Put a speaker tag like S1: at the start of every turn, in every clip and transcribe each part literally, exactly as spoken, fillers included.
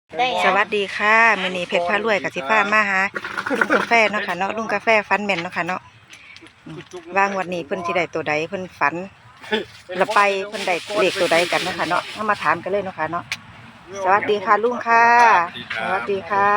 S1: สวัสดีค่ะมื้อนี้เพชรพารวยกับสิพามาหาลุงกาแฟเนาะค่ะเนาะลุงกาแฟฝันแม่นเนาะค่ะเนาะอืมว่างวันนี้เพิ่นสิได้ตัวใดเพิ่นฝันและไปเพิ่นได้เลขตัวใดกันเนาะค่ะเนาะเอามาถามกันเลยเนาะค่ะเนาะสวัสดีค่ะลุงค่ะสวัสดีค่ะ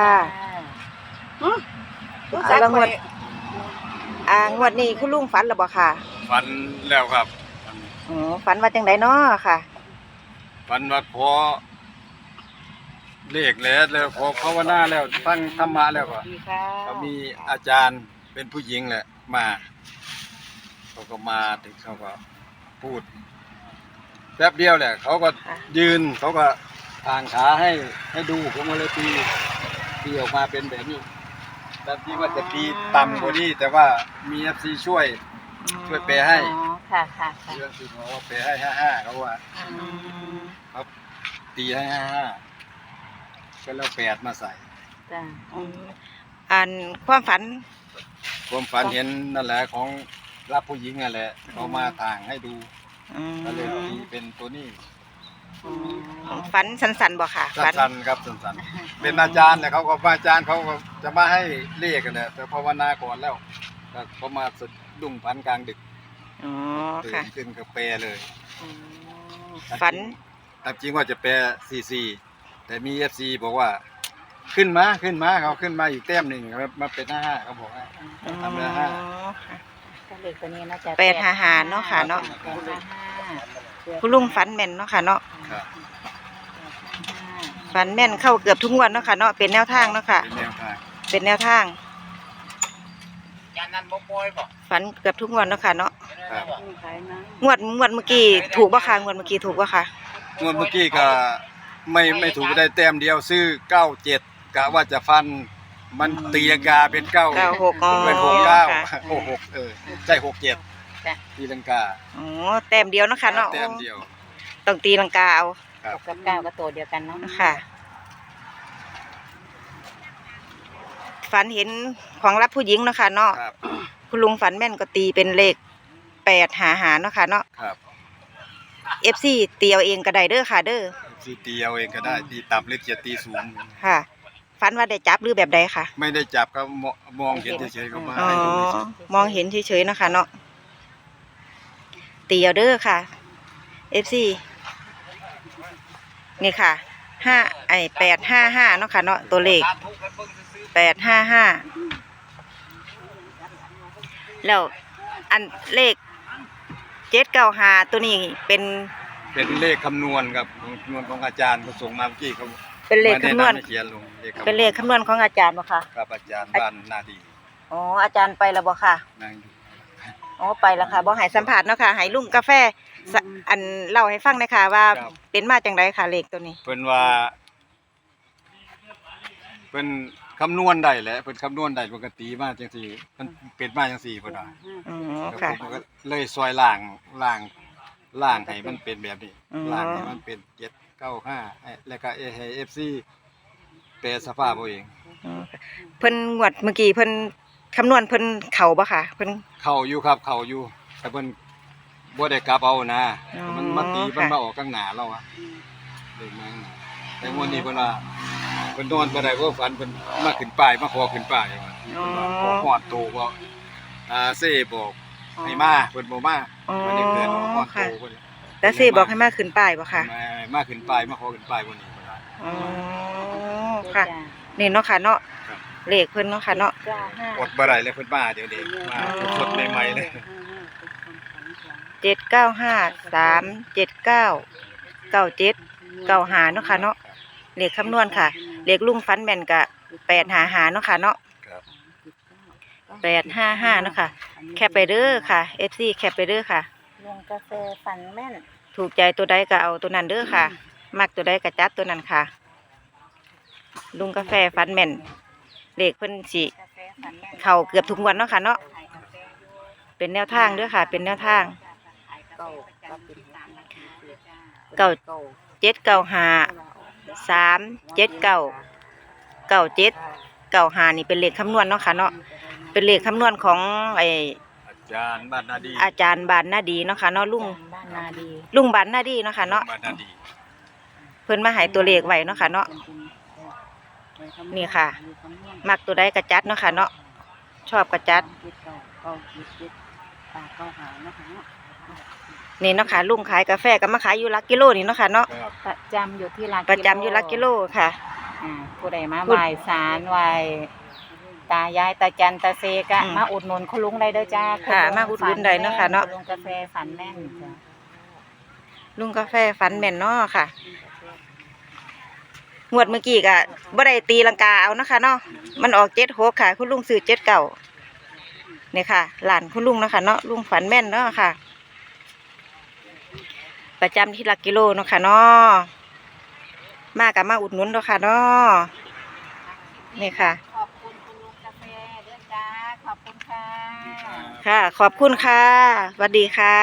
S1: อ่าแล้วงวดอ่างวดนี้คุณลุงฝันแล้วบ่ค่ะ
S2: ฝันแล้วครับ
S1: อ๋อฝันว่าจังไดเนาะค่ะ
S2: ฝันว่าพอเลขแล้วแล้วพอภาวนาแล้วฟังธรรมะแล้วก็
S1: ดีค่ะ
S2: ก็มีอาจารย์เป็นผู้หญิงแหละมาเขาก็มาถึงเขาก็พูดแป๊บเดียวแหละเขาก็ยืนเขาก็ทางขาให้ให้ดูผมก็เลยตีตีออกมาเป็นแบบนี้แต่ที่ว่าจะตีต่ำกว่านี้แต่ว่ามี เอฟ ซี ช่วย ช่วยแปลให้
S1: อ๋อค่ะค่ะค่ะ
S2: เรื่องที่เขาว่าแปลให้ห้าห้าเขาว่า
S1: อืม
S2: ครับตีให้ห้าห้าก็แล้วแปดมาใส่
S1: จ้ะอืมอ่านความฝัน
S2: ความฝันเห็นนั่นแหละของรับผู้หญิงนั่นแหละเขามาทางให้ดู
S1: อืม
S2: ก็เลยตีเป็นตัวนี้
S1: ฝันสันๆบ่ค่ะฝัน
S2: สั้นๆครับสั้นๆเป็นอาจารย์แหละเขาก็อาจารย์เขาก็จะมาให้เลขกันแหละแต่ภาวนาก่อนแล้วก็เขามาสะดุ้งฝันกลางดึก
S1: อ๋อ
S2: ตื่
S1: ค่ะ
S2: นขึ้นก็แปลเลย
S1: อืมฝัน
S2: ตามจริงว่าจะแปลสี่สี่แต่มี เอฟ ซี บอกว่าขึ้นมาขึ้นมาเขาขึ้นมาอีกแต้มหนึ่งมาเป็นห้าห้าเขาบอกว่า ทำแล้วห้า
S3: ก็เลขตัวนี้น่าจะ
S1: แปดหาหาเนาะค่ะเนาะ
S3: แปดห้าห้า
S1: คุณลุงฝันแม่นเนาะค่ะเนาะ
S2: ครับ
S1: ฝันแม่นเข้าเกือบทุกงวดเนาะค่ะเนาะเป็นแนวทางเนาะค่ะ
S2: เป็นแนวทาง
S1: เป็นแนวทางฝันเกือบทุกงวดเนาะค่ะเนาะ
S2: ครับ
S3: ขายนะ
S1: งวดงวดเมื่อกี้ถูกบ่ค่ะงวดเมื่อกี้ถูกบ่ค่ะ
S2: งวดเมื่อกี้ก็ไม่ไม่ถูกได้แต้มเดียวซื้อเก้าเจ็ดกะว่าจะฟันมันตีลังกาเป็นเก้า
S1: เก้าหกอ๋อ
S2: เป็นหกเก้า
S1: ค่ะ
S2: หกหกเออใช่หกเจ็ด
S3: จ้ะ
S2: ตีลังกา
S1: อ๋อแต้มเดียวเนาะค่ะเนาะ
S2: แต้มเดียว
S1: ต้องตีลังกาเอา
S2: ครับ
S3: หกกับเก้าก็ตัวเดียวกันเนาะ
S1: ค่ะฝันเห็นของรับผู้หญิงเนาะค่ะเนาะ
S2: ครับ
S1: คุณลุงฝันแม่นก็ตีเป็นเลขแปดหาหาเนาะค่ะเนาะ
S2: ครับ
S1: เอฟซีตีเอาเองก็ได้เด้อค่ะเด้อ
S2: ซีตีเอาเองก็ได้ตีต่ำหรือจะตีสูง
S1: ค่ะฝันว่าได้จับหรือแบบใดค่ะ
S2: ไม่ได้จับก็มองมองเห็นเฉยๆก็มา
S1: อ๋อ
S2: ให้ดูเฉย
S1: มองเห็นเฉยๆเนาะค่ะเนาะตีเอาเด้อค่ะเอฟซีนี่ค่ะห้าไอแปดห้าห้าเนาะค่ะเนาะตัวเลขแปดห้าห้าแล้วอันเลขเจ็ดเก้าห้าตัวนี้เป็น
S2: ๆเป็นเลขคำนวณครับคำนวณของอาจารย์เขาส่งมาเมื่อกี้เขา
S1: เป็นเลขคำนวณ
S2: มาแะำให้เขียนลงเลขคำนวณ
S1: เป็นเลขคำนวณของอาจารย์บ่ค่ะ
S2: ครับอาจารย์บ้านนาดี
S1: อ๋ออาจารย์ไปแล้วบ่ค่ะ
S2: นั่งอยู่
S1: อ๋อไปแล้วค่ะบ่ให้สัมผัสเนาะค่ะให้ลุงกาแฟสะอันเล่าให้ฟังหน่อยค่ะว่าเป็นมาจังไดค่ะเลขตัวนี้
S2: เพิ่นว่าเพิ่นคำนวณได้แหละเพิ่นคำนวณได้ปกติมาจังซี่มันเป็นมาจังซี่เพิ่นว่า
S1: อ๋อ
S2: แล้ว
S1: ค่ะ
S2: ผมก็เลยซอยล่างล่างล่างให้มันเป็นแบบนี้
S1: อ๋อ
S2: ล่างให้มันเป็นเจ็ดเก้าห้าแล้วก็ให้ เอฟ ซี แปลสภาพเอาเอง
S1: อ๋อค่ะเพิ่นงวดเมื่อกี้เพิ่นคำนวณเพิ่นเข้าบ่ค่ะเพิ่น
S2: เข้าอยู่ครับเข้าอยู่แต่เพิ่นบ่ได้กลับเอานะ
S1: อ๋อ
S2: มันมาตีมัน
S1: ค่ะ
S2: มาออกข้างหน้าเราอะเด็กมาข้างหน้าแต่งวดนี้เพิ่นว่าเพิ่นนอนบ่ได้เพราะฝันเพิ่นมาขึ้นป้ายมาขอขึ้นป้ายว่า
S1: อ๋อ
S2: ขอฮอดโตบ่อ่าเซ่บอกให้มาเพิ่นบ่มา
S1: อ๋อ
S2: วันนี้เพิ่นฮอดโต
S1: ค่ะ
S2: เพิ่น
S1: แต่สิบอกให้มาขึ้นป้ายบ่ค่ะ
S2: มามาขึ้นป้ายมาขอขึ้นป้ายบ่นี้เพิ่นว่า
S1: อ๋อค่ะนี่เนาะค่ะเนาะ
S2: ครับ
S1: เลขเพิ่นเนาะค่ะเนาะ
S3: เก้าห้า
S2: อดบ่ได้เลยเพิ่นมาเดี๋ยวนี้มาสดๆใหม่ๆเลย
S1: เจ็ดเก้าห้าสามเจ็ดเก้าเก้าเจ็ดเก้าห้าเนาะค่ะเนาะเลขคำนวณค่ะเลขลุงฟันแม่นกะแปดหาหาเนาะค่ะเนาะ
S2: ครับ
S1: แปดห้าห้าเนาะค่ะแคปไปเด้อค่ะ เอฟ ซี แคปไปเด้อค่ะ
S3: ลงกาแฟฝันแม่น
S1: ถูกใจตัวใดก็เอาตัวนั้นเด้อค่ะ มักตัวใดก็จัดตัวนั้นค่ะ ลุงกาแฟฟันแม่นเลขเพิ่นสิ
S3: กาแฟฝันแม่น
S1: เข้าเกือบทุกวันเนาะค่ะเนาะเป็นแนวทางเด้อค่ะ เป็นแนวทาง
S3: เก้าก็เป็น
S1: เก้า
S3: เก้า
S1: เจ็ดเก้าห้าสามเจ็ดเก้าเก้าเจ็ดเก้าห้านี่เป็นเลขคำนวณเนาะค่ะเนาะเป็นเลขคำนวณของไอ
S2: อาจารย์บ้านนาดี
S1: อาจารย์บานนาดีเนาะค่ะเนาะลุง
S3: บ้านนาดี
S1: ลุงบานนาดีเนาะค่ะเนาะ
S2: บ้านนาดี
S1: เพิ่นมาให้ตัวเลขไว้เนาะค่ะเนาะนี่ค่ะ มักตัวใดกระจัดเนาะค่ะเนาะชอบกระจัด
S3: เจ็ดเก้าเก้าเจ็ดเจ็ดปากเก้าหาเนาะค่ะเนาะ
S1: นี่เนาะค่ะลุงขายกาแฟก็มาขายอยู่หลักกิโลนี่เนาะค่ะเนาะ
S2: ครับ
S3: ประจำอยู่ที่ร้าน
S1: ประจำอยู่หลักกิโลค่ะ
S3: อ่าผู้ใดมา
S1: พูด
S3: ไหว้ศาลไหว้ตายายตาจันตาเซกะ
S1: อืม
S3: มาอุดหนุนคุณลุงได้เด้อจ้า
S1: ค่ะ
S3: ณลุง
S1: มาอุดหนุนได้เนาะค่ะเนาะ
S3: คุณลุงกาแฟฝันแม่นจ้ะ
S1: ลุงกาแฟฟันแม่นเนาะค่ะงวดเมื่อกี้ก็บ่ได้ตีลังกาเอาเนาะค่ะเนาะมันออกเจ็ดหกค่ะ คุณลุงซื้อเจ็ดเก่าเนี่ยค่ะหลานคุณลุงเนาะค่ะเนาะลุงฝันแม่นเนาะค่ะ ประจำที่หลักกิโลเนาะค่ะเนาะมากับมาอุดหนุนเนาะค่ะเนาะนี่ค่ะ
S3: ขอบคุณคุณลุงกาแฟเด้อจ้าขอบคุณค่ะ
S1: ค่ะ ขอบคุณค่ะสวัสดีค่ะ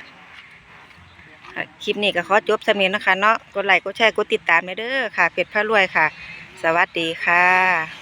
S1: คลิปนี้ก็ขอจบสำเนียงนะคะเนาะ กดไลค์ กดแชร์ กดติดตามเด้อค่ะ เพจพระรวยค่ะ สวัสดีค่ะ